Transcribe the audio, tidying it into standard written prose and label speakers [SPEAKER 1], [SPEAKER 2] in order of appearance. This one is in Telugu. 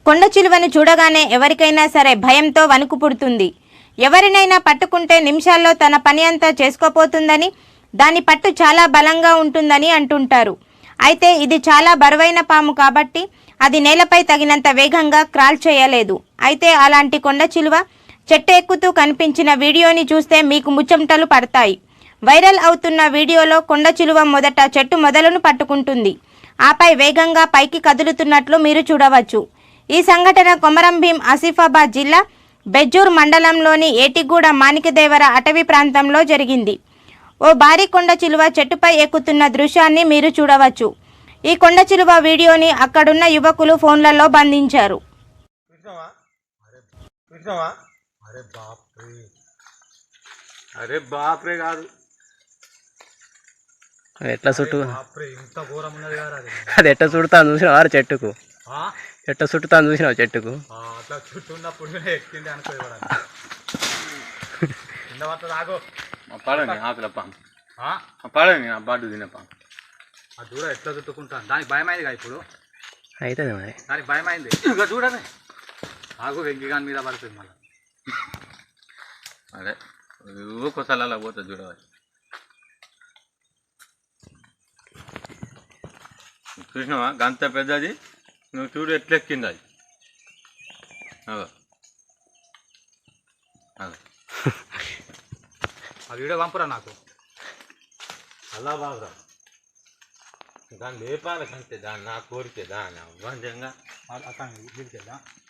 [SPEAKER 1] కొండ చిలువను చూడగానే ఎవరికైనా సరే భయంతో వణుకు పుడుతుంది. ఎవరినైనా పట్టుకుంటే నిమిషాల్లో తన పని అంతా చేసుకోపోతుందని, దాని పట్టు చాలా బలంగా ఉంటుందని అంటుంటారు. అయితే ఇది చాలా బరువైన పాము కాబట్టి అది నేలపై తగినంత వేగంగా క్రాల్ చేయలేదు. అయితే అలాంటి కొండ చిలువ చెట్టు ఎక్కుతూ కనిపించిన వీడియోని చూస్తే మీకు ముచ్చమటలు పడతాయి. వైరల్ అవుతున్న వీడియోలో కొండ చిలువ మొదట చెట్టు మొదలను పట్టుకుంటుంది. ఆపై వేగంగా పైకి కదులుతున్నట్లు మీరు చూడవచ్చు. ఈ సంఘటన కొమరంభీం ఆసిఫాబాద్ జిల్లా బెజ్జూర్ మండలంలోని ఏటిగూడ మాణికదేవర అటవీ ప్రాంతంలో జరిగింది. ఓ భారీ కొండ చిలువ చెట్టుపై ఎక్కుతున్న దృశ్యాన్ని మీరు చూడవచ్చు. ఈ కొండ చిలువ వీడియోని అక్కడున్న యువకులు ఫోన్లలో బంధించారు.
[SPEAKER 2] ఎట్లా చుట్టూ అది ఎట్లా చుడతాను చూసినావు చెట్టుకు, ఎట్లా చుట్టుతాను చూసినావు చెట్టుకు.
[SPEAKER 3] అట్లా చుట్టూన్నప్పుడు ఎక్కింది పడని ఆకులప్ప పడని బాటు తినప్ప అది చూడ ఎట్లా చుట్టుకుంటాను. దానికి భయమైందిగా ఇప్పుడు
[SPEAKER 2] అవుతుంది మరి,
[SPEAKER 3] దానికి భయమైంది. ఇక చూడని ఆకు వెంకిగాని మీద పడుతుంది మళ్ళీ. అదే కొసలలో పోతుంది చూడవచ్చు. చూసినావా గంత పెద్దది, నువ్వు చూడు ఎట్లా ఎక్కింది అది. ఆ వీడియో పంపురా నాకు. అలా బాగురా దాన్ని లేపాలి అంతే, దాన్ని నా కోరికే దాన్ని అవ్వంజంగా అతను